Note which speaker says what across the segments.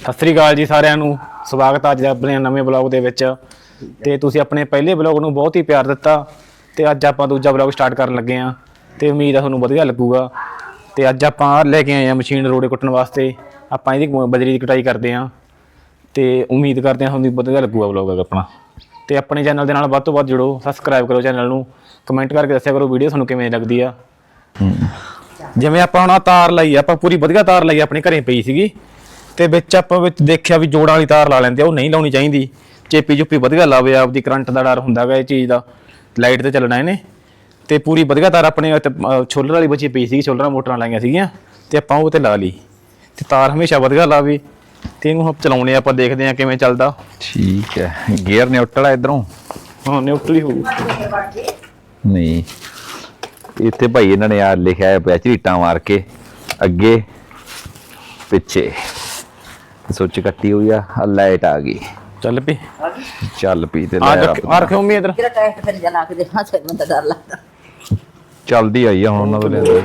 Speaker 1: ਸਤਿ ਸ੍ਰੀ ਅਕਾਲ ਜੀ ਸਾਰਿਆਂ ਨੂੰ। ਸਵਾਗਤ ਹੈ ਅੱਜ ਆਪਣੇ ਨਵੇਂ ਬਲੌਗ ਦੇ ਵਿੱਚ। ਤੇ ਤੁਸੀਂ ਆਪਣੇ ਪਹਿਲੇ ਬਲੌਗ ਨੂੰ ਬਹੁਤ ਹੀ ਪਿਆਰ ਦਿੱਤਾ ਤੇ ਅੱਜ ਆਪਾਂ ਦੂਜਾ ਬਲੌਗ ਸਟਾਰਟ ਕਰਨ ਲੱਗੇ ਹਾਂ ਤੇ ਉਮੀਦ ਹੈ ਤੁਹਾਨੂੰ ਵਧੀਆ ਲੱਗੂਗਾ। ਤੇ ਅੱਜ ਆਪਾਂ ਲੈ ਕੇ ਆਏ ਹਾਂ ਮਸ਼ੀਨ ਰੋੜੇ ਕੁੱਟਣ ਵਾਸਤੇ। ਆਪਾਂ ਇਹਦੀ ਬਜਰੀ ਦੀ ਕਟਾਈ ਕਰਦੇ ਹਾਂ ਤੇ ਉਮੀਦ ਕਰਦੇ ਹਾਂ ਤੁਹਾਨੂੰ ਵਧੀਆ ਲੱਗੂਗਾ ਬਲੌਗ ਆਪਣਾ। ਤੇ ਆਪਣੇ ਚੈਨਲ ਦੇ ਨਾਲ ਵੱਧ ਤੋਂ ਵੱਧ ਜੁੜੋ, ਸਬਸਕ੍ਰਾਈਬ ਕਰੋ ਚੈਨਲ ਨੂੰ, ਕਮੈਂਟ ਕਰਕੇ ਦੱਸਿਆ ਕਰੋ ਵੀਡੀਓ ਤੁਹਾਨੂੰ ਕਿਵੇਂ ਲੱਗਦੀ ਆ। ਜਿਵੇਂ ਆਪਾਂ ਹੁਣ ਤਾਰ ਲਾਈ, ਆਪਾਂ ਪੂਰੀ ਵਧੀਆ ਤਾਰ ਲਾਈ, ਆਪਣੇ ਘਰੇ ਪਈ ਸੀਗੀ ਤੇ ਵਿੱਚ ਆਪਾਂ ਵਿੱਚ ਦੇਖਿਆ ਵੀ ਜੋੜਾਂ ਵਾਲੀ ਤਾਰ ਲਾ ਲੈਂਦੇ ਆ, ਉਹ ਨਹੀਂ ਲਾਉਣੀ ਚਾਹੀਦੀ। ਚੇਪੀ ਚੁੱਪੀ ਵਧੀਆ ਲਾਵੇ, ਆਪਦੀ ਕਰੰਟ ਦਾ ਡਰ ਹੁੰਦਾ ਗਾ ਇਹ ਚੀਜ਼ ਦਾ, ਲਾਈਟ ਤੇ ਚੱਲਣਾ ਇਹਨੇ। ਤੇ ਪੂਰੀ ਵਧੀਆ ਤਾਰ ਆਪਣੇ ਛੋਲਰ ਵਾਲੀ ਬਚੀ ਪਈ ਸੀਗੀ, ਛੋਲਰਾਂ ਮੋਟਰਾਂ ਲਾਈਆਂ ਸੀਗੀਆਂ ਤੇ ਆਪਾਂ ਉਹ ਤੇ ਲਾ ਲਈ। ਤੇ ਤਾਰ ਹਮੇਸ਼ਾ ਵਧੀਆ ਲਾਵੇ ਤੇ ਇਹਨੂੰ ਚਲਾਉਣੇ ਆਪਾਂ, ਦੇਖਦੇ ਹਾਂ ਕਿਵੇਂ ਚੱਲਦਾ।
Speaker 2: ਠੀਕ ਹੈ, ਗੇਅਰ ਨਿਊਟਰਲ ਹੈ ਇਧਰੋਂ?
Speaker 1: ਹਾਂ ਨਿਊਟਰਲ ਹੀ ਹੋਊ।
Speaker 2: ਨਹੀਂ ਇੱਥੇ ਭਾਈ ਇਹਨਾਂ ਨੇ ਆ ਲਿਖਿਆ ਪਿਆ ਝਰੀਟਾਂ ਮਾਰ ਕੇ ਅੱਗੇ ਪਿੱਛੇ ਸੁੱਚ ਕੱਟੀ ਹੋਈ ਆ, ਲਾਈਟ ਆ ਗਈ,
Speaker 1: ਚੱਲ ਪਈ
Speaker 2: ਚੱਲ ਪਈ। ਤੇ
Speaker 1: ਆ ਰੱਖਿਓ ਮੀ ਇਧਰ
Speaker 3: ਡਰ ਲੱਗਦਾ।
Speaker 2: ਚੱਲਦੀ ਆਈ ਆ ਹੁਣ ਉਹਨਾਂ ਤੋਂ ਲਿਆਂਦੇ।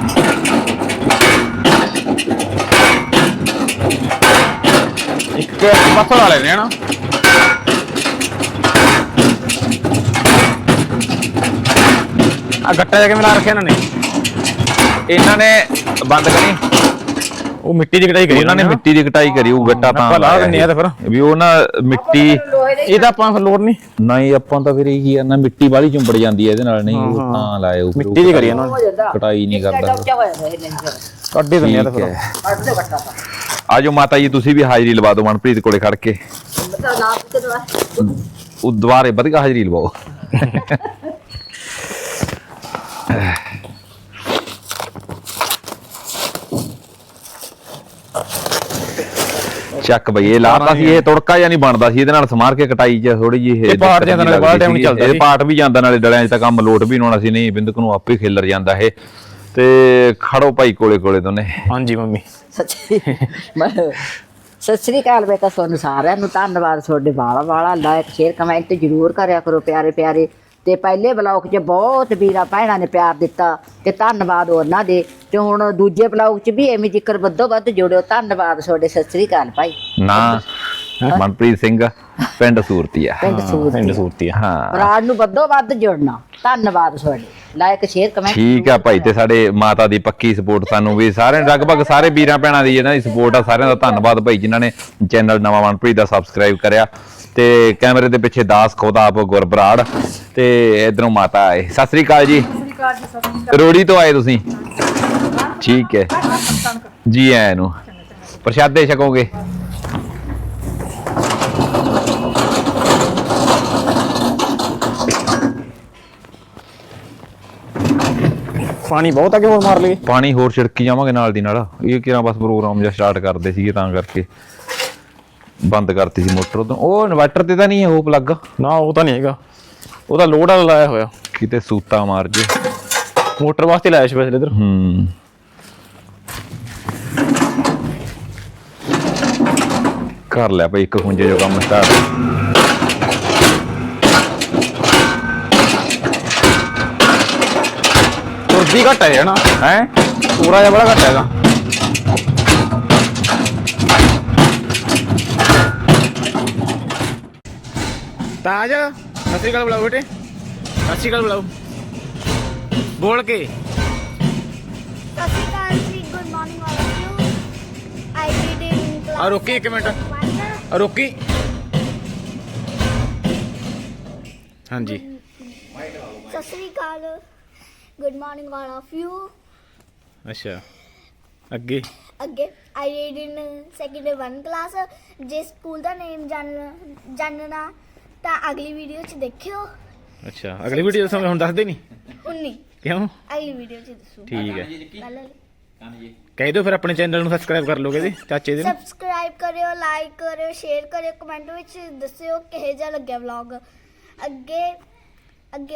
Speaker 1: ਇੱਕ ਪਾਸੋਂ ਲਾ ਲੈਣੇ ਹਨਾ। ਆ ਗੱਟਾ ਜਿਹਾ ਕਿਵੇਂ ਲਾ ਰੱਖਿਆ ਇਹਨਾਂ ਨੇ ਬੰਦ ਕਰੀ। ਉਹ ਮਿੱਟੀ ਦੀ ਕਟਾਈ ਕਰੀ
Speaker 2: ਉਹਨਾਂ ਨੇ, ਮਿੱਟੀ ਦੀ ਕਟਾਈ ਕਰੀ। ਉਹ ਗੱਟਾ ਤਾਂ
Speaker 1: ਲਾ ਦਿੰਦੇ ਆ ਤੇ ਫਿਰ
Speaker 2: ਵੀ ਉਹ ਨਾ ਮਿੱਟੀ,
Speaker 1: ਇਹਦਾ ਆਪਾਂ ਫਿਰ ਲੋੜ
Speaker 2: ਨਹੀਂ ਆਪਾਂ ਤਾਂ ਫਿਰ ਇਹ ਕੀ ਆ ਨਾ, ਮਿੱਟੀ ਬਾਹਲੀ ਚੁੰਬੜ ਜਾਂਦੀ ਹੈ ਇਹਦੇ ਨਾਲ। ਨਹੀਂ ਉਹ ਤਾਂ ਲਾਏ ਉਹ
Speaker 1: ਮਿੱਟੀ ਦੀ ਕਰੀ ਇਹਨਾਂ ਨੇ,
Speaker 2: ਕਟਾਈ ਨਹੀਂ ਕਰਦਾ।
Speaker 1: ਕੱਢ ਹੀ ਦਿੰਦੇ ਆ ਤੇ ਫਿਰ।
Speaker 2: ਆਜੋ ਮਾਤਾ ਜੀ, ਤੁਸੀਂ ਵੀ ਹਾਜ਼ਰੀ ਲਵਾ ਦਿਓ ਮਨਪ੍ਰੀਤ ਕੋਲੇ ਖੜ ਕੇ। ਉਹ ਦੁਬਾਰੇ ਵਧੀਆ ਹਾਜ਼ਰੀ ਲਵਾਓ। ਚੱਕ ਬਈ, ਇਹ ਲਾਤਾ ਸੀ, ਇਹ ਤੁੜਕਾ ਜਾਂ ਨਹੀਂ ਬਣਦਾ ਸੀ ਇਹਦੇ ਨਾਲ, ਸਮਾਰ ਕੇ ਕਟਾਈ ਚ ਥੋੜੀ ਜਿਹੀ
Speaker 1: ਇਹ ਪਾਟ ਜਾਂਦਾ ਨਾਲੇ ਬਾਹਰ ਟਾਈਮ ਨਹੀਂ ਚੱਲਦਾ,
Speaker 2: ਇਹ ਪਾਟ ਵੀ ਜਾਂਦਾ ਨਾਲੇ ਡਲਿਆਂ 'ਚ ਤਾਂ ਕੰਮ ਲੋਟ ਵੀ ਹੋਣਾ ਸੀ। ਨਹੀਂ ਬਿੰਦਕ ਨੂੰ ਆਪੇ ਖਿਲਰ ਜਾਂਦਾ ਇਹ। ਤੇ ਖੜੋ ਭਾਈ ਕੋਲੇ ਕੋਲੇ ਦੋਨੇ।
Speaker 1: ਹਾਂਜੀ ਮੰਮੀ
Speaker 3: ਸਤਿ ਸ੍ਰੀ ਅਕਾਲ ਬੇਟਾ, ਤੁਹਾਨੂੰ ਸਾਰਿਆਂ ਨੂੰ ਧੰਨਵਾਦ। ਤੁਹਾਡੇ ਵਾਲਾ ਲਾਇਕ ਸ਼ੇਅਰ ਕਮੈਂਟ ਜ਼ਰੂਰ ਕਰਿਆ ਕਰੋ ਪਿਆਰੇ ਪਿਆਰੇ। ਤੇ ਪਹਿਲੇ ਬਲੌਗ 'ਚ ਬਹੁਤ ਵੀਰਾਂ ਭੈਣਾਂ ਨੇ ਪਿਆਰ ਦਿੱਤਾ ਤੇ ਧੰਨਵਾਦ ਉਹਨਾਂ ਦੇ। ਤੇ ਹੁਣ ਦੂਜੇ ਬਲੌਗ 'ਚ ਵੀ ਐਵੇਂ ਜ਼ਿਕਰ ਵੱਧੋ ਵੱਧ ਜੁੜਿਓ। ਧੰਨਵਾਦ ਤੁਹਾਡੇ। ਸਤਿ ਸ੍ਰੀ ਅਕਾਲ ਭਾਈ।
Speaker 2: ਨਾ ਮਨਪ੍ਰੀਤ ਸਿੰਘ, ਪਿੰਡ ਸੂਰਤੀਆ।
Speaker 3: ਪਿੰਡ
Speaker 1: ਸੂਰਤੀਆ।
Speaker 2: ਹਾਂ,
Speaker 3: ਭਰਾ ਨੂੰ ਵੱਧੋ ਵੱਧ ਜੁੜਨਾ। ਧੰਨਵਾਦ ਤੁਹਾਡੇ, ਲਾਇਕ ਸ਼ੇਅਰ ਕਮੈਂਟ।
Speaker 2: ਠੀਕ ਆ ਭਾਈ। ਤੇ ਸਾਡੇ ਮਾਤਾ ਦੀ ਪੱਕੀ ਸਪੋਰਟ ਸਾਨੂੰ ਵੀ ਸਾਰਿਆਂ, ਲਗਭਗ ਸਾਰੇ ਵੀਰਾਂ ਭੈਣਾਂ ਦੀ ਇਹਨਾਂ ਦੀ ਸਪੋਰਟ ਆ। ਸਾਰਿਆਂ ਦਾ ਧੰਨਵਾਦ ਭਾਈ ਜਿਨ੍ਹਾਂ ਨੇ ਚੈਨਲ ਨਵਾਂ ਮਨਪ੍ਰੀਤ ਦਾ ਸਬਸਕ੍ਰਾਈਬ ਕਰਿਆ। ਤੇ ਕੈਮਰੇ ਦੇ ਪਿੱਛੇ ਦਾਸ ਖੁਦ ਆਪ ਗੁਰਬਰਾੜ ਤੇ ਇਧਰੋਂ ਮਾਤਾ ਆਏ। ਸਤਿ ਸ੍ਰੀ ਅਕਾਲ ਜੀ। ਰੋੜੀ ਤੋਂ ਆਏ ਤੁਸੀਂ? ਠੀਕ ਹੈ ਜੀ, ਆਇਆਂ ਨੂੰ। ਪ੍ਰਸ਼ਾਦੇ ਛਕੋਗੇ?
Speaker 1: ਪਾਣੀ ਬਹੁਤ ਆ ਕਿ ਹੋਰ ਮਾਰ ਲਈਏ?
Speaker 2: ਪਾਣੀ ਹੋਰ ਛਿੜਕੀ ਜਾਵਾਂਗੇ ਨਾਲ ਦੀ ਨਾਲ। ਇਹ ਕਿਹੜਾ ਬਸ ਪ੍ਰੋਗਰਾਮ ਜਿਹਾ ਸਟਾਰਟ ਕਰਦੇ ਸੀਗੇ ਤਾਂ ਕਰਕੇ ਬੰਦ ਕਰਤੀ ਸੀ ਮੋਟਰ। ਉਦੋਂ ਉਹ ਇਨਵਰਟਰ ਤੇ ਤਾਂ ਨਹੀਂ ਹੈ ਉਹ ਪਲੱਗ?
Speaker 1: ਨਾ ਉਹ ਤਾਂ ਨਹੀਂ ਹੈਗਾ, ਉਹਦਾ ਲੋਡ ਵਾਲਾ ਲਾਇਆ ਹੋਇਆ।
Speaker 2: ਕਿਤੇ ਸੂਤਾ ਮਾਰ ਜੇ,
Speaker 1: ਮੋਟਰ ਵਾਸਤੇ ਲਾਇਆ ਸਪੈਸ਼ਲ ਇਧਰ।
Speaker 2: ਕਰ ਲਿਆ ਭਾਈ ਇੱਕ ਖੁੰਝੇ ਜੋ ਕੰਮ ਸਟਾਰਟ।
Speaker 1: ਤੁਰਦੀ ਘੱਟ ਹੈ ਨਾ?
Speaker 2: ਹੈ
Speaker 1: ਪੂਰਾ ਜਿਹਾ ਬੜਾ ਘੱਟ ਹੈਗਾ। ਤਾਜ ਸਤਿ ਸ਼੍ਰੀ ਅਕਾਲ ਬੁਲਾਓ ਬੇਟੇ, ਸਤਿ ਸ਼੍ਰੀ ਅਕਾਲ ਬੁਲਾਓ ਬੋਲ ਕੇ।
Speaker 4: ਸਤਿ ਸ਼੍ਰੀ ਅਕਾਲ ਜੀ, good morning all of you. I did in class.
Speaker 1: ਆ ਰੋਕੀ ਇੱਕ ਮਿੰਟ, ਆ ਰੋਕੀ। ਹਾਂਜੀ
Speaker 4: ਸਤਿ ਸ਼੍ਰੀ ਅਕਾਲ, good morning all of you.
Speaker 1: ਅੱਛਾ ਅੱਗੇ
Speaker 4: ਅੱਗੇ I did in second 1 class. ਜੇ ਸਕੂਲ ਦਾ ਨੇਮ ਜਾਣਨਾ ਤਾਂ ਅਗਲੀ ਵੀਡੀਓ 'ਚ ਦੇਖਿਓ।
Speaker 1: ਅੱਛਾ ਅਗਲੀ ਵੀਡੀਓ ਦੱਸਾਂਗੇ, ਹੁਣ ਦੱਸਦੇ ਨਹੀਂ?
Speaker 4: ਹੁਣ ਨਹੀਂ,
Speaker 1: ਕਿਉਂ?
Speaker 4: ਅਗਲੀ ਵੀਡੀਓ 'ਚ ਦੱਸੂ।
Speaker 1: ਠੀਕ ਹੈ,
Speaker 4: ਪਹਿਲਾਂ
Speaker 1: ਕਹਿ ਦਿਓ ਫਿਰ ਆਪਣੇ ਚੈਨਲ ਨੂੰ ਸਬਸਕ੍ਰਾਈਬ ਕਰ ਲੋਗੇ ਜੀ ਚਾਚੇ ਦੇ ਨੂੰ।
Speaker 4: ਸਬਸਕ੍ਰਾਈਬ ਕਰਿਓ, ਲਾਈਕ ਕਰਿਓ, ਸ਼ੇਅਰ ਕਰਿਓ, ਕਮੈਂਟ ਵਿੱਚ ਦੱਸਿਓ ਕਿਹੋ ਜਿਹਾ ਲੱਗਿਆ ਵਲੌਗ। ਅੱਗੇ ਅੱਗੇ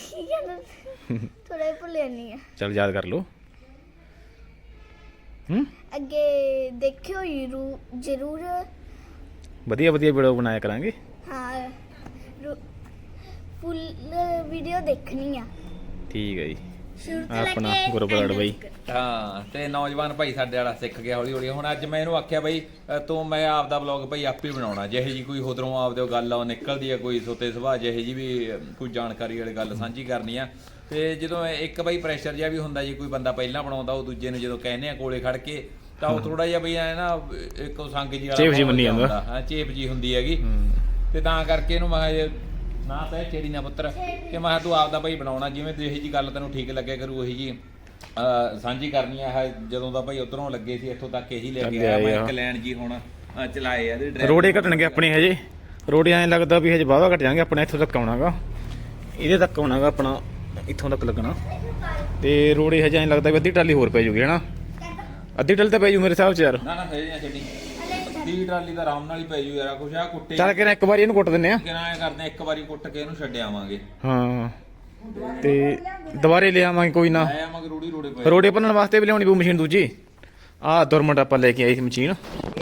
Speaker 4: ਥੋੜਾ ਭੁੱਲਿਆ ਨਹੀਂ ਹੈ,
Speaker 1: ਚਲ ਯਾਦ ਕਰ ਲਓ।
Speaker 4: ਅੱਗੇ ਦੇਖਿਓ ਜ਼ਰੂਰ।
Speaker 1: ਵਧੀਆ ਵਧੀਆ ਵੀਡੀਓ ਬਣਾਇਆ ਕਰਾਂਗੇ।
Speaker 4: ਹਾਂ, ਫੁੱਲ ਵੀਡੀਓ ਦੇਖਣੀ ਆ।
Speaker 1: ਠੀਕ ਹੈ ਜੀ।
Speaker 4: ਸ਼ੁਰੂ ਤੋਂ
Speaker 1: ਆਪਣਾ
Speaker 4: ਲੈ ਕੇ
Speaker 1: ਗੁਰਬਰਾੜ ਬਾਈ
Speaker 2: ਹਾਂ ਤੇ ਨੌਜਵਾਨ ਭਾਈ ਸਾਡੇ ਵਾਲਾ ਸਿੱਖ ਗਿਆ ਹੌਲੀ ਹੌਲੀ। ਹੁਣ ਅੱਜ ਮੈਂ ਇਹਨੂੰ ਆਖਿਆ ਬਈ ਤੂੰ ਮੈਂ ਆਪਦਾ ਬਲੌਗ ਭਾਈ ਆਪੇ ਬਣਾਉਣਾ, ਜਿਹੇ ਜੀ ਕੋਈ ਉਧਰੋਂ ਆਪਦੇ ਗੱਲ ਆ ਨਿਕਲਦੀ ਆ, ਕੋਈ ਸੋਤੇ ਸੁਭਾਅ ਜਿਹੇ ਜੀ ਵੀ ਕੋਈ ਜਾਣਕਾਰੀ ਵਾਲੀ ਗੱਲ ਸਾਂਝੀ ਕਰਨੀ ਆ। ਤੇ ਜਦੋਂ ਇੱਕ ਬਈ ਪ੍ਰੈਸ਼ਰ ਜਿਹਾ ਵੀ ਹੁੰਦਾ, ਜੇ ਕੋਈ ਬੰਦਾ ਪਹਿਲਾਂ ਬਣਾਉਂਦਾ ਉਹ ਦੂਜੇ ਨੂੰ ਜਦੋਂ ਕਹਿੰਦੇ ਆ ਕੋਲੇ ਖੜ ਕੇ ਤਾਂ ਉਹ ਥੋੜਾ ਜਿਹਾ ਬਈ ਐ ਨਾ ਇੱਕ ਸੰਗ ਜੀ ਵਾਲਾ
Speaker 1: ਚੇਪ ਜੀ ਮੰਨੀ ਜਾਂਦਾ।
Speaker 2: ਹਾਂ ਚੇਪ ਜੀ ਹੁੰਦੀ ਹੈਗੀ। ਤੇ ਤਾਂ ਕਰਕੇ ਇਹਨੂੰ ਮੈਂ ਕਿਹਾ ਨਾ ਤਾਂ ਇਹ ਛੇੜੀ ਨਾ ਪੁੱਤਰ ਕਿ ਮੈਂ ਕਿਹਾ ਤੂੰ ਆਪਦਾ ਭਾਈ ਬਣਾਉਣਾ, ਜਿਵੇਂ ਜਿਹੀ ਜੀ ਗੱਲ ਤੈਨੂੰ ਠੀਕ ਲੱਗਿਆ ਕਰੂ ਉਹੀ ਜੀ ਸਾਂਝੀ ਕਰਨੀ ਆ। ਇਹ ਜਦੋਂ ਦਾ ਭਾਈ ਉਧਰੋਂ ਲੱਗੇ ਸੀ ਇੱਥੋਂ ਤੱਕ ਇਹੀ ਲੈ ਕੇ ਆਇਆ ਮੈਂ ਇੱਕ ਲੈਣ ਜੀ ਹੁਣ ਚਲਾਏ ਆ ਇਹਦੇ
Speaker 1: ਰੋੜੇ ਘਟਣਗੇ ਆਪਣੇ ਹਜੇ, ਰੋੜੇ ਐਂ ਲੱਗਦਾ ਵੀ ਹਜੇ ਵਾਹਵਾ ਘਟ ਜਾਣਗੇ ਆਪਣੇ, ਇੱਥੋਂ ਤੱਕ ਆਉਣਾਗਾ, ਇਹਦੇ ਤੱਕ ਆਉਣਾਗਾ ਆਪਣਾ, ਇੱਥੋਂ ਤੱਕ ਲੱਗਣਾ। ਤੇ ਰੋੜੇ ਹਜੇ ਐਂ ਲੱਗਦਾ ਵੀ ਅੱਧੀ ਟਰਾਲੀ ਹੋਰ ਪੈ ਜੂਗੀ ਹਨਾ, ਅੱਧੀ ਟਰਾਲੀ ਤਾਂ ਪੈ ਜੂ ਮੇਰੇ ਹਿਸਾਬ 'ਚ ਯਾਰ।
Speaker 2: ਨਾ ਨਾ ਸਹੀ ਨਾ ਛੱਡੀ 30 ਟਰਾਲੀ ਦਾ ਆਰਾਮ ਨਾਲ ਹੀ ਪੈ ਜੂ ਯਾਰ। ਕੁਛ ਆ ਕੁੱਟੇ
Speaker 1: ਚੱਲ ਕੇ ਨਾ ਇੱਕ ਵਾਰੀ ਇਹਨੂੰ ਕੁੱਟ ਦਿੰਨੇ ਆ।
Speaker 2: ਕਿਹਨਾਂ ਐ ਕਰਦੇ ਆ, ਇੱਕ ਵਾਰੀ ਕੁੱਟ ਕੇ ਇਹਨੂੰ ਛੱਡ ਆਵਾਂਗੇ।
Speaker 1: ਹਾਂ ਤੇ ਦੁਬਾਰੇ ਲੈ ਆਵਾਂਗੇ ਕੋਈ ਨਾ,
Speaker 2: ਐ ਆਵਾਂਗੇ ਰੋੜੀ ਰੋੜੇ ਪਏ।
Speaker 1: ਰੋੜੇ ਭੰਨਣ ਵਾਸਤੇ ਵੀ ਲਿਆਉਣੀ ਪਊ ਮਸ਼ੀਨ ਦੂਜੀ। ਆਹ ਦੁਰਮਟ ਆਪਾਂ ਲੈ ਕੇ ਆਈ ਸੀ ਮਸ਼ੀਨ,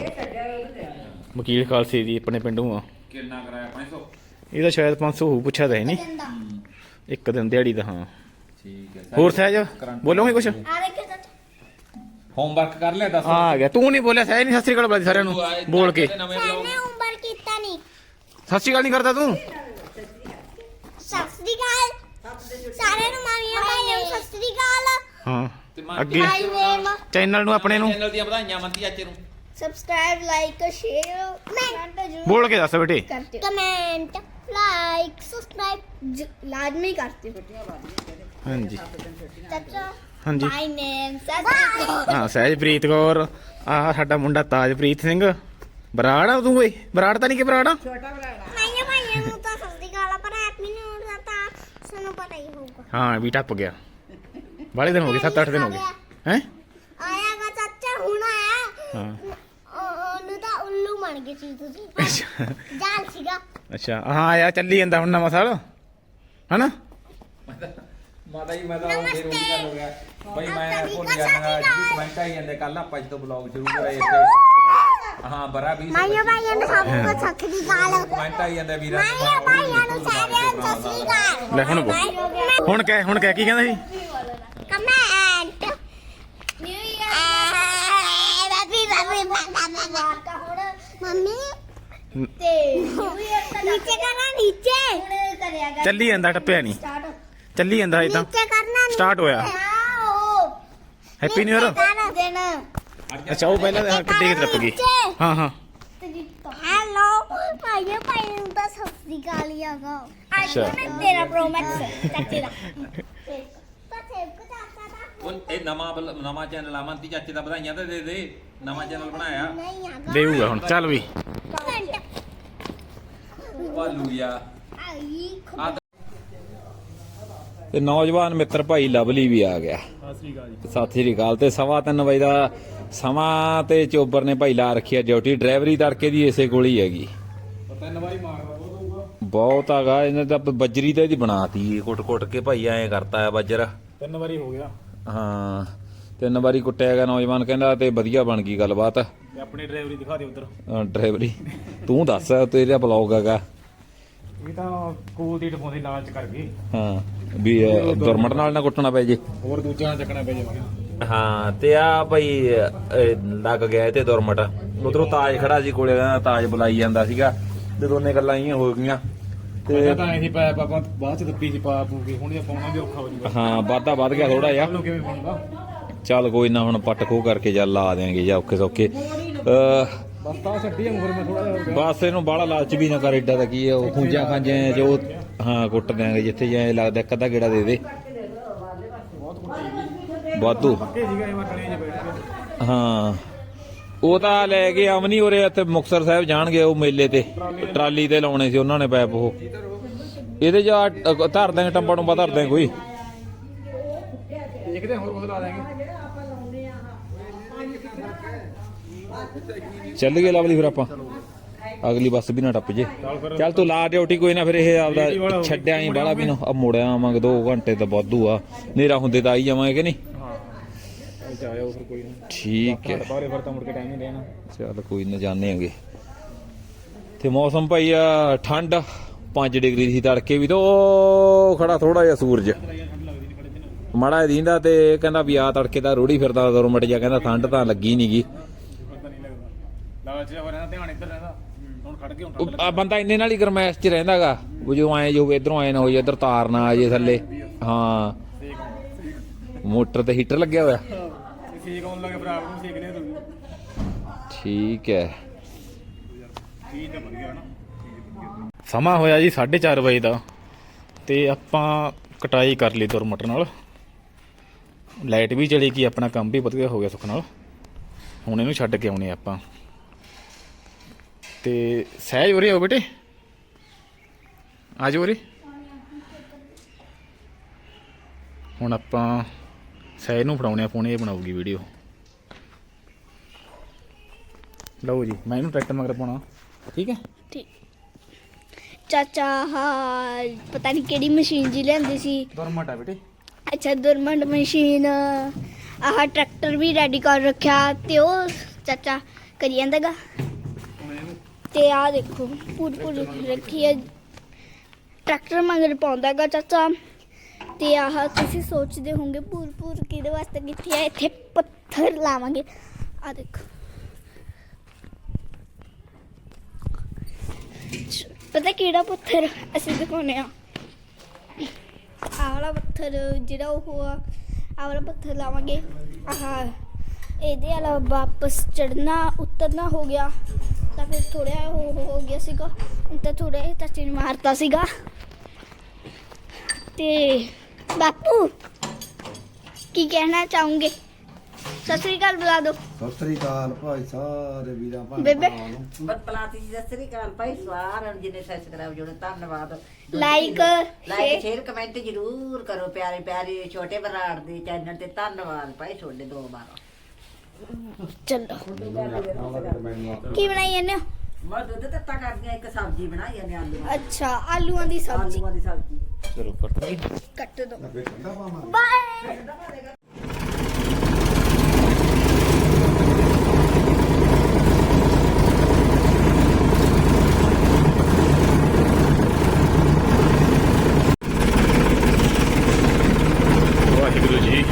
Speaker 1: ਵਕੀਲ ਖਾਲਸੇ ਦੀ ਆਪਣੇ ਪਿੰਡੋਂ ਆ।
Speaker 2: ਕਿੰਨਾ ਕਰਾਇਆ 500?
Speaker 1: ਇਹਦਾ ਸ਼ਾਇਦ 500 ਹੋਊ, ਪੁੱਛਿਆ ਤਾਂ ਹੈ ਨਹੀਂ,
Speaker 4: ਜਾਂਦਾ
Speaker 1: ਇੱਕ ਦਿਨ ਦਿਹਾੜੀ ਦਾ। ਹਾਂ
Speaker 2: ਠੀਕ ਹੈ
Speaker 1: ਹੋਰ ਸਹਿਜ ਬੋਲੋਗੇ ਕੁਛ?
Speaker 4: ਆ ਦੇਖੋ ਚਾਚਾ
Speaker 2: ਹੋਮਵਰਕ ਕਰ ਲਿਆ ਦੱਸ।
Speaker 1: ਆ ਗਿਆ, ਤੂੰ ਨਹੀਂ ਬੋਲਿਆ ਸਹਿਜ ਨਹੀਂ ਸਤਿ ਸ੍ਰੀ ਅਕਾਲ ਬੁਲਾਈ ਸਾਰਿਆਂ ਨੂੰ ਬੋਲ ਕੇ।
Speaker 2: ਨਵੇਂ vlog
Speaker 4: ਮੈਨੇ ਉਮਰ ਕੀਤਾ ਨਹੀਂ।
Speaker 1: ਸਤਿ ਸ੍ਰੀ ਅਕਾਲ ਨਹੀਂ ਕਰਦਾ ਤੂੰ?
Speaker 4: ਸਤਿ ਸ੍ਰੀ ਅਕਾਲ ਸਾਰਿਆਂ ਨੂੰ, ਮਾਮੀਆਂ ਭਾਈਆਂ ਨੂੰ ਸਤਿ ਸ੍ਰੀ ਅਕਾਲ।
Speaker 1: ਹਾਂ
Speaker 2: ਤੇ ਮਾਂ
Speaker 1: ਅੱਗੇ
Speaker 4: ਮਾਈ ਨੇਮ
Speaker 1: ਚੈਨਲ ਨੂੰ ਆਪਣੇ ਨੂੰ
Speaker 2: ਚੈਨਲ ਦੀਆਂ ਵਧਾਈਆਂ ਮੰਤੀ ਚਾਚੇ ਨੂੰ।
Speaker 4: ਸਬਸਕ੍ਰਾਈਬ ਲਾਈਕ ਸ਼ੇਅਰ ਕਮੈਂਟ ਜ਼ਰੂਰ
Speaker 1: ਬੋਲ ਕੇ ਦੱਸ ਬੇਟੇ।
Speaker 4: करते हो कमेंट लाइक सब्सक्राइब लाजमी करते हो।
Speaker 1: ਹਾਂਜੀ
Speaker 4: चाचा
Speaker 1: ਹਾਂਜੀ
Speaker 4: माय नेम सच
Speaker 1: ਹਾਂ ਸਹਿਜਪ੍ਰੀਤ ਕੌਰ, ਆਹ ਸਾਡਾ ਮੁੰਡਾ ਤਾਜਪ੍ਰੀਤ ਸਿੰਘ। ਬਰਾੜ ਆ ਤੂੰ? ਓਏ ਬਰਾੜ ਤਾਂ ਨਹੀਂ ਕਿ ਬਰਾੜ?
Speaker 4: माय भाई ਨੂੰ ਤਾਂ ਸਸਤੀ ਗਾਲਾ ਪਰ ਹੈਪੀ ਨਿਊ ਇਅਰ ਤਾਂ ਸਾਨੂੰ ਪਤਾ ਹੀ ਹੋਊਗਾ।
Speaker 1: ਹਾਂ ਵੀ ਟੱਪ ਗਿਆ, ਬਾਲੇ ਦਿਨ ਹੋ ਗਏ, 7-8 ਦਿਨ ਹੋ ਗਏ ਹੈ।
Speaker 4: ਆਇਆਗਾ ਚਾਚਾ ਹੁਣ ਆਇਆ।
Speaker 1: ਹਾਂ
Speaker 4: ਉਹਨੂੰ ਤਾਂ ਉੱਲੂ ਬਣ ਗਈ ਸੀ ਤੁਸੀਂ।
Speaker 1: ਅੱਛਾ
Speaker 4: ਜਾਲ ਸੀਗਾ।
Speaker 1: ਅੱਛਾ ਹਾਂ ਆਇਆ, ਚੱਲੀ ਜਾਂਦਾ ਹੁਣ ਨਵਾਂ ਸਾਲ ਹਨਾ।
Speaker 2: ਮਾਤਾ ਜੀ ਮੈਂ ਤਾਂ ਹੁਣ ਫੇਰ ਉਹੀ ਗੱਲ ਹੋ ਗਿਆ ਬਈ, ਮੈਂ ਭੁੱਲ ਜਾਣਾ ਅੱਜ ਵੀ ਕਮੈਂਟ ਆਈ ਜਾਂਦੇ। ਕੱਲ ਆਪਾਂ ਜਦੋਂ ਬਲੌਗ ਸ਼ੁਰੂ ਕਰਾਏ ਇੱਥੇ ਹਾਂ ਬਰਾ 20
Speaker 4: ਮਾਈਓ ਭਾਈਆਂ ਨੂੰ ਸਭ ਕੁਝ ਸਖਤੀ ਗਾਲ।
Speaker 2: ਕਮੈਂਟ ਆਈ ਜਾਂਦੇ ਵੀਰਾਂ
Speaker 4: ਮਾਈਓ ਭਾਈਆਂ ਨੂੰ ਸਾਰਿਆਂ ਨੂੰ ਸਤਿ ਸ੍ਰੀ ਅਕਾਲ।
Speaker 1: ਲੈ ਹੁਣ ਬੋਲ। ਹੁਣ ਕਹਿ ਕੀ ਕਹਿੰਦਾ ਸੀ?
Speaker 4: Comment new year happy mummy ਤੇ ਨਿਊ ਇਅਰ ਦਾ ਨੀਚੇ ਕਰਨਾ, ਨੀਚੇ ਹੁਣ ਕਰਿਆ ਗਾ
Speaker 1: ਚੱਲੀ ਜਾਂਦਾ, ਟੱਪਿਆ ਨਹੀਂ,
Speaker 4: ਸਟਾਰਟ
Speaker 1: ਚੱਲੀ ਜਾਂਦਾ ਇਹ ਤਾਂ।
Speaker 4: ਨੀਚੇ ਕਰਨਾ
Speaker 1: ਸਟਾਰਟ ਹੋਇਆ। Happy new year.
Speaker 4: ਦਿਨ
Speaker 1: ਅੱਛਾ ਉਹ ਪਹਿਲਾਂ ਕਿੱਡੇ ਕਿ ਟੱਪ ਗਈ। ਹਾਂ ਹਾਂ
Speaker 4: ਹੈਲੋ ਭਾਈਓ ਭਾਈ ਨੂੰ ਤਾਂ ਸਤਿ ਸ੍ਰੀ ਅਕਾਲ ਹੀ ਆਗਾ।
Speaker 1: ਅੱਛਾ।
Speaker 4: ਆਈਫੋਨ ਤੇਰਾ ਪ੍ਰੋ ਮੈਕਸ ਚਾਚੇ ਦਾ ਤਾਂ ਸੇਵ ਕੋ ਚਾਚਾ ਦਾ
Speaker 2: ਉਹ ਇਹ ਨਵਾਂ ਚੈਨਲ ਆ ਮੰਤੀ ਚਾਚੇ ਦਾ, ਵਧਾਈਆਂ ਤਾਂ ਦੇ ਦੇ, ਨਵਾਂ ਚੈਨਲ ਬਣਾਇਆ
Speaker 4: ਨਹੀਂ ਆਗਾ
Speaker 1: ਦੇਊਗਾ ਹੁਣ। ਚੱਲ ਵੀ
Speaker 4: ਕਮੈਂਟ
Speaker 2: ਹਾਲੂਇਆ।
Speaker 4: ਆਈ
Speaker 2: ਤੇ ਨੌਜਵਾਨ ਮਿੱਤਰ ਭਾਈ ਲਵਲੀ ਵੀ ਆ ਗਿਆ। ਸਤਿ ਸ੍ਰੀ ਅਕਾਲ। ਤੇ 3:15 ਵਜੇ ਦਾ ਸਮਾਂ ਤੇ ਚੋਬਰ ਨੇ ਭਾਈ ਲਾ ਰੱਖੀ ਆ ਡਿਊਟੀ। ਡਰਾਈਵਰੀ ਤੜਕੇ ਦੀ ਇਸੇ ਕੋਲ ਹੀ ਹੈਗੀ। ਬਹੁਤ ਹੈਗਾ ਇਹਨੇ ਤਾਂ ਬੱਜਰੀ ਤੇ ਇਹਦੀ ਬਣਾਤੀ ਕੁੱਟ ਕੇ ਭਾਈ ਐਂ ਕਰਤਾ ਆ ਬੱਜਰ।
Speaker 1: 3 ਵਾਰੀ ਹੋ ਗਿਆ।
Speaker 2: ਹਾਂ 3 ਵਾਰੀ ਕੁੱਟਿਆ ਗਿਆ ਨੌਜਵਾਨ ਕਹਿੰਦਾ, ਤੇ ਵਧੀਆ ਬਣ ਗਈ ਗੱਲਬਾਤ।
Speaker 1: ਤੇ ਆਪਣੀ ਡਰਾਈਵਰੀ ਦਿਖਾ ਦੇ ਉਧਰ।
Speaker 2: ਡਰਾਈਵਰੀ ਤੂੰ ਦੱਸ, ਤੇਰਾ ਬਲੌਗ ਹੈਗਾ।
Speaker 1: ਇਹ ਤਾਂ ਕੋਲ ਦੀ ਟਪਾਉਂਦੇ ਲਾਲਚ ਕਰ ਗਏ।
Speaker 2: ਹਾਂ ਵੀ ਦੁਰਮਟ ਨਾਲ ਨਾ ਕੁੱਟਣਾ ਪੈ ਜੇ।
Speaker 1: ਹੋਰ ਦੂਜਿਆਂ ਨਾਲ ਚੱਕਣਾ ਪੈ ਜਾਵੇ।
Speaker 2: ਹਾਂ ਤੇ ਆ ਭਾਈ ਲੱਗ ਗਿਆ ਤੇ ਦੁਰਮਟ। ਉਧਰੋਂ ਤਾਜ ਖੜਾ ਸੀ ਕੋਲੇ, ਕਹਿੰਦਾ ਤਾਜ ਬੁਲਾਈ ਜਾਂਦਾ ਸੀਗਾ ਤੇ ਦੋਨੇ ਗੱਲਾਂ ਹੀ ਹੋ ਗਈਆਂ।
Speaker 1: ਤੇ ਤਾਂ ਐਸੀ ਪਾਇਆ ਆਪਾਂ ਬਾਅਦ ਚ ਦੱਪੀ ਸੀ ਪਾ ਪੂਗੀ, ਹੁਣ ਇਹ ਪਾਉਣਾ ਵੀ ਔਖਾ ਹੋ ਜੂਗਾ।
Speaker 2: ਹਾਂ ਵਾਧਾ ਵੱਧ ਗਿਆ ਥੋੜਾ ਜਿਹਾ।
Speaker 1: ਕਿਵੇਂ ਪਾਉਂਦਾ?
Speaker 2: ਚੱਲ ਕੋਈ ਨਾ, ਹੁਣ ਪੱਟ ਖੋ ਕਰਕੇ ਜਾਂ ਲਾ ਦੇਾਂਗੇ ਜਾਂ ਔਖੇ ਸੌਖੇ।
Speaker 1: ਬਸ ਤਾਂ ਛੱਡੀ ਫਿਰ ਮੈਂ ਥੋੜਾ ਜਿਹਾ
Speaker 2: ਬਸ ਇਹਨੂੰ ਬਾਹਲਾ ਲਾਲਚ ਵੀ ਨਾ ਕਰ, ਏਡਾ ਦਾ ਕੀ ਹੈ ਉਹ ਖੂੰਜਾਂ ਖਾਂਜਾਂ ਜੋ। ਹਾਂ ਕੁੱਟ ਦਿਆਂਗੇ ਜਿੱਥੇ ਜਾਏ ਲੱਗਦਾ, ਇੱਕ ਅੱਧਾ ਗੇੜਾ ਦੇ ਦੇ ਵਾਧੂ।
Speaker 1: ਸੀਗਾ ਇਹ ਵਟਣੇ ਜੇ ਬੈਠ ਕੇ।
Speaker 2: ਹਾਂ ਉਹ ਤਾਂ ਲੈ ਕੇ ਅਮਨੀ ਉਰੇ ਇੱਥੇ ਮੁਕਤਸਰ ਸਾਹਿਬ ਜਾਣਗੇ, ਉਹ ਮੇਲੇ ਤੇ ਟਰਾਲੀ ਤੇ ਲਾਉਣੇ ਸੀ ਉਹਨਾਂ ਨੇ ਪੈਪ। ਉਹ ਇਹਦੇ ਜਾ ਧਰ ਦਾਂਗੇ, ਟੰਬਾ ਟੰਬਾ ਧਰ ਦਾਂਗੇ ਕੋਈ।
Speaker 1: ਦੇਖਦੇ ਹੋਰ ਕੁਝ ਲਾ ਦਾਂਗੇ।
Speaker 2: ਚੱਲ ਗਏ ਲਵਲੀ ਫਿਰ ਆਪਾਂ, ਅਗਲੀ ਬੱਸ ਵੀ ਨਾ ਟੱਪ ਜੇ। ਚੱਲ ਤੂੰ ਲਾ ਡਿਊਟੀ ਕੋਈ ਨਾ, ਫਿਰ ਇਹ ਆਪਦਾ ਛੱਡਿਆ ਹੀ ਬਾਹਲਾ ਵੀ ਨਾ ਮੁੜਿਆ ਆਵਾਂਗੇ। 2 ਘੰਟੇ ਤਾਂ ਵਾਧੂ ਆ, ਹਨੇਰਾ ਹੁੰਦੇ ਤਾਂ ਆਈ ਜਾਵਾਂਗੇ ਕਿ ਨਹੀਂ।
Speaker 1: ਹਾਂ ਆਇਓ ਫਿਰ ਕੋਈ ਨਾ।
Speaker 2: ਠੀਕ ਹੈ
Speaker 1: ਬਾਰੇ ਫਿਰ ਤਾਂ ਮੁੜ ਕੇ ਟਾਈਮ ਨਹੀਂ ਰਹਿਣਾ।
Speaker 2: ਚੱਲ ਕੋਈ ਨਾ, ਜਾਣੇ ਆਂਗੇ। ਤੇ ਮੌਸਮ ਭਾਈ ਆ ਠੰਡ 5 ਡਿਗਰੀ ਸੀ ਤੜਕੇ ਵੀ, ਤਾਂ ਉਹ ਖੜਾ ਥੋੜਾ ਜਿਹਾ ਸੂਰਜ। ਮਾੜਾ ਦੀਂਦਾ ਤੇ ਕਹਿੰਦਾ ਵੀ ਆ ਤੜਕੇ ਦਾ ਰੋੜੀ ਫਿਰਦਾ ਦੁਰਮਟ ਜਾ, ਕਹਿੰਦਾ ਠੰਡ ਤਾਂ ਲੱਗੀ ਨੀ ਗੀ।
Speaker 1: ਪਤਾ ਨਹੀਂ ਲੱਗਦਾ ਲਾਲਚ ਜਿਹਾ ਰਹਿੰਦਾ, ਧਿਆਨ ਇੱਧਰ ਰਹਿੰਦਾ। ਹੁਣ ਖੜ ਕੇ ਹੁਣ
Speaker 2: ਆ ਬੰਦਾ ਇੰਨੇ ਨਾਲ ਹੀ ਗਰਮੈਸ਼ 'ਚ ਰਹਿੰਦਾਗਾ, ਉਹ ਜੋ ਐ ਜੋ ਇਧਰੋਂ ਐ ਨਾ ਹੋ ਜੇ, ਇੱਧਰ ਤਾਰ ਨਾ ਆ ਜੇ ਥੱਲੇ। ਹਾਂ ਮੋਟਰ ਤੇ ਹੀਟਰ ਲੱਗਿਆ ਹੋਇਆ।
Speaker 1: ਸੇਕ ਆਉਣ ਲੱਗੇ ਭਰਾ ਨੂੰ ਸੇਕ ਲਿਆ ਤੂੰ।
Speaker 2: ਠੀਕ ਹੈ।
Speaker 1: ਠੀਕ ਹੈ, ਵਧੀਆ ਨਾ। ਸਮਾਂ ਹੋਇਆ ਜੀ 4:30 ਵਜੇ ਦਾ ਤੇ ਆਪਾਂ ਕਟਾਈ ਕਰ ਲਈ ਦੁਰਮਟ ਨਾਲ। ਲਾਈਟ ਵੀ ਚਲੀ ਗਈ, ਆਪਣਾ ਕੰਮ ਵੀ ਵਧੀਆ ਹੋ ਗਿਆ ਸੁੱਖ ਨਾਲ। ਹੁਣ ਇਹਨੂੰ ਛੱਡ ਕੇ ਆਉਣੇ ਆਪਾਂ ਤੇ ਸਹਿਜ ਉਰੇ ਆਓ ਬੇਟੇ, ਆ ਜਾਓ ਉਰੇ। ਹੁਣ ਆਪਾਂ ਸਹਿਜ ਨੂੰ ਫੜਾਉਣੇ ਆ ਫੋਨ, ਇਹ ਬਣਾਉਗੀ ਵੀਡੀਓ। ਲਓ ਜੀ, ਮੈਂ ਇਹਨੂੰ ਟਰੈਕਟਰ ਮਗਰ ਪਾਉਣਾ, ਠੀਕ ਹੈ।
Speaker 4: ਠੀਕ ਚਾਚਾ ਹਾਂ ਪਤਾ ਨਹੀਂ ਕਿਹੜੀ ਮਸ਼ੀਨ ਜੀ ਲੈਂਦੀ ਸੀ।
Speaker 1: ਦੁਰਮਟ ਆ ਬੇਟੇ।
Speaker 4: ਅੱਛਾ ਦੁਰਮੰਡ ਮਸ਼ੀਨ, ਆਹ ਟਰੈਕਟਰ ਵੀ ਰੈਡੀ ਕਰ ਰੱਖਿਆ ਤੇ ਉਹ ਚਾਚਾ ਕਰੀ ਜਾਂਦਾਗਾ। ਤੇ ਆਹ ਦੇਖੋ ਪੂਰ ਰੱਖੀ ਹੈ, ਟਰੈਕਟਰ ਮਗਰ ਪਾਉਂਦਾਗਾ ਚਾਚਾ। ਤੇ ਆਹ ਤੁਸੀਂ ਸੋਚਦੇ ਹੋਵੋਗੇ ਪੂਰ ਕਿਹਦੇ ਵਾਸਤੇ ਕੀਤੀ ਹੈ, ਇੱਥੇ ਪੱਥਰ ਲਾਵਾਂਗੇ। ਆਹ ਦੇਖੋ ਪਤਾ ਕਿਹੜਾ ਪੱਥਰ ਅਸੀਂ ਦਿਖਾਉਂਦੇ ਆ, ਆਹ ਵਾਲਾ ਪੱਥਰ ਜਿਹੜਾ ਉਹ ਆ, ਆਹ ਵਾਲਾ ਪੱਥਰ ਲਾਵਾਂਗੇ। ਆਹ ਇਹਦੇ ਵਾਲਾ ਵਾਪਸ ਚੜਨਾ ਉਤਰਨਾ ਹੋ ਗਿਆ ਤਾਂ ਫਿਰ ਥੋੜਾ ਹੋ ਗਿਆ ਸੀਗਾ, ਤਾਂ ਥੋੜਾ ਚਾਚੇ ਨੇ ਮਾਰਤਾ ਸੀਗਾ। ਤੇ ਬਾਪੂ ਕੀ ਕਹਿਣਾ ਚਾਹੋਗੇ? ਸਤਿ ਸ੍ਰੀ ਅਕਾਲ ਬੁਲਾ ਦੋ।
Speaker 5: ਸਤਿ ਸ੍ਰੀ ਅਕਾਲ ਭਾਈ ਸਾਰੇ ਵੀਰਾਂ
Speaker 4: ਬੇਬੇ।
Speaker 5: ਭੈਣਾਂ ਨੂੰ।
Speaker 3: ਬਤਲਾਤੀ ਜੀ ਸਤਿ ਸ੍ਰੀ ਅਕਾਲ ਭਾਈ ਸਾਰਿਆਂ ਨੂੰ ਜਿਹਨੇ ਸਬਸਕ੍ਰਾਈਬ ਜੁੜੇ, ਧੰਨਵਾਦ।
Speaker 4: ਲਾਈਕ
Speaker 3: ਸ਼ੇਅਰ ਕਮੈਂਟ ਜ਼ਰੂਰ ਕਰੋ, ਪਿਆਰੇ ਪਿਆਰੇ ਛੋਟੇ ਬਰਾੜ ਦੇ ਚੈਨਲ ਤੇ। ਧੰਨਵਾਦ ਭਾਈ ਤੁਹਾਡੇ 2 ਵਾਰ।
Speaker 4: ਚਲੋ ਕੀ ਬਣਾਈ ਜਾਂਦੇ ਹੋ?
Speaker 3: ਮੈਂ ਦੁੱਧ ਤੱਤਾ ਕਰਦੀਆਂ, ਇੱਕ ਸਬਜ਼ੀ ਬਣਾਈ ਜਾਂਦੇ ਆਲੂ
Speaker 4: ਅੱਛਾ ਆਲੂਆਂ ਦੀ ਸਬਜ਼ੀ,
Speaker 3: ਆਲੂਆਂ ਦੀ ਸਬਜ਼ੀ।
Speaker 1: ਚਲੋ ਕੱਟ
Speaker 4: ਕੱਟ ਦੋ।
Speaker 5: ਠੰਡਾ ਪਾਵਾਂਗੇ।
Speaker 4: ਬਾਏ।
Speaker 1: ਵਾਹਿਗੁਰੂ ਜੀ।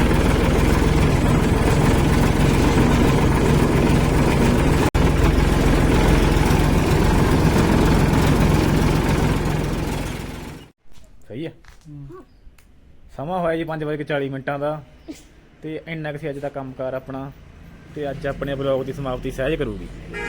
Speaker 1: ਸਹੀ ਹੈ। ਸਮਾਂ ਹੋਇਆ ਜੀ 5:40 ਦਾ ਤੇ ਇੰਨਾ ਕੁ ਸੀ ਅੱਜ ਦਾ ਕੰਮਕਾਰ ਆਪਣਾ। ਤੇ ਅੱਜ ਆਪਣੇ ਬਲੌਗ ਦੀ ਸਮਾਪਤੀ ਸਹਿਜ ਕਰੂਗੀ।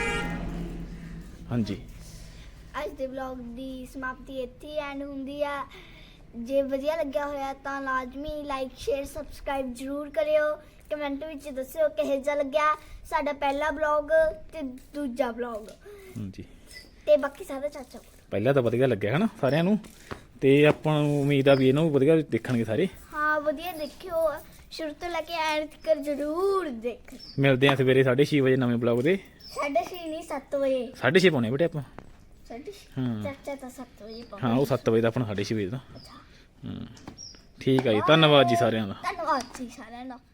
Speaker 1: ਹਾਂਜੀ
Speaker 4: ਅੱਜ ਦੇ ਵਲੌਗ ਦੀ ਸਮਾਪਤੀ ਇੱਥੇ ਐਂਡ ਹੁੰਦੀ ਆ। ਜੇ ਵਧੀਆ ਲੱਗਿਆ ਹੋਇਆ ਤਾਂ ਲਾਜ਼ਮੀ ਲਾਈਕ ਸ਼ੇਅਰ ਸਬਸਕ੍ਰਾਈਬ ਜ਼ਰੂਰ ਕਰਿਓ। ਕਮੈਂਟ ਵਿੱਚ ਦੱਸਿਓ ਕਿਹੋ ਜਿਹਾ ਲੱਗਿਆ ਸਾਡਾ ਪਹਿਲਾ ਵਲੌਗ ਤੇ ਦੂਜਾ ਵਲੌਗ।
Speaker 1: ਹਾਂਜੀ
Speaker 4: ਤੇ ਬਾਕੀ ਸਾਰਾ ਚਾਚਾ
Speaker 1: ਪਹਿਲਾਂ ਤਾਂ ਵਧੀਆ ਲੱਗਿਆ ਹਨਾ ਸਾਰਿਆਂ ਨੂੰ, ਤੇ ਆਪਾਂ ਨੂੰ ਉਮੀਦ ਆ ਵੀ ਇਹਨੂੰ ਵੀ ਵਧੀਆ ਦੇਖਣਗੇ ਸਾਰੇ।
Speaker 4: ਹਾਂ ਵਧੀਆ ਦੇਖਿਓ, ਸ਼ੁਰੂ ਤੋਂ ਲੈ ਕੇ ਐਂਡ ਤੱਕ ਜ਼ਰੂਰ ਦੇਖ।
Speaker 1: ਮਿਲਦੇ ਆ ਸਵੇਰੇ 6:30 ਵਜੇ ਨਵੇਂ ਬਲੌਗ ਦੇ।
Speaker 4: 6:30 ਨਹੀਂ 7 ਵਜੇ।
Speaker 1: 6:30 ਪਾਉਣੇ ਬੇਟੇ ਆਪਾਂ।
Speaker 4: 6:30
Speaker 1: ਹਾਂ
Speaker 4: ਚਾਚਾ ਤਾਂ 7 ਵਜੇ ਪਾਉਂਦਾ।
Speaker 1: ਹਾਂ ਉਹ 7 ਵਜੇ ਦਾ ਆਪਣਾ 6:30 ਵਜੇ ਦਾ। ਠੀਕ ਆ ਜੀ, ਧੰਨਵਾਦ ਜੀ ਸਾਰਿਆਂ ਦਾ।
Speaker 4: ਧੰਨਵਾਦ ਜੀ ਸਾਰਿਆਂ ਦਾ।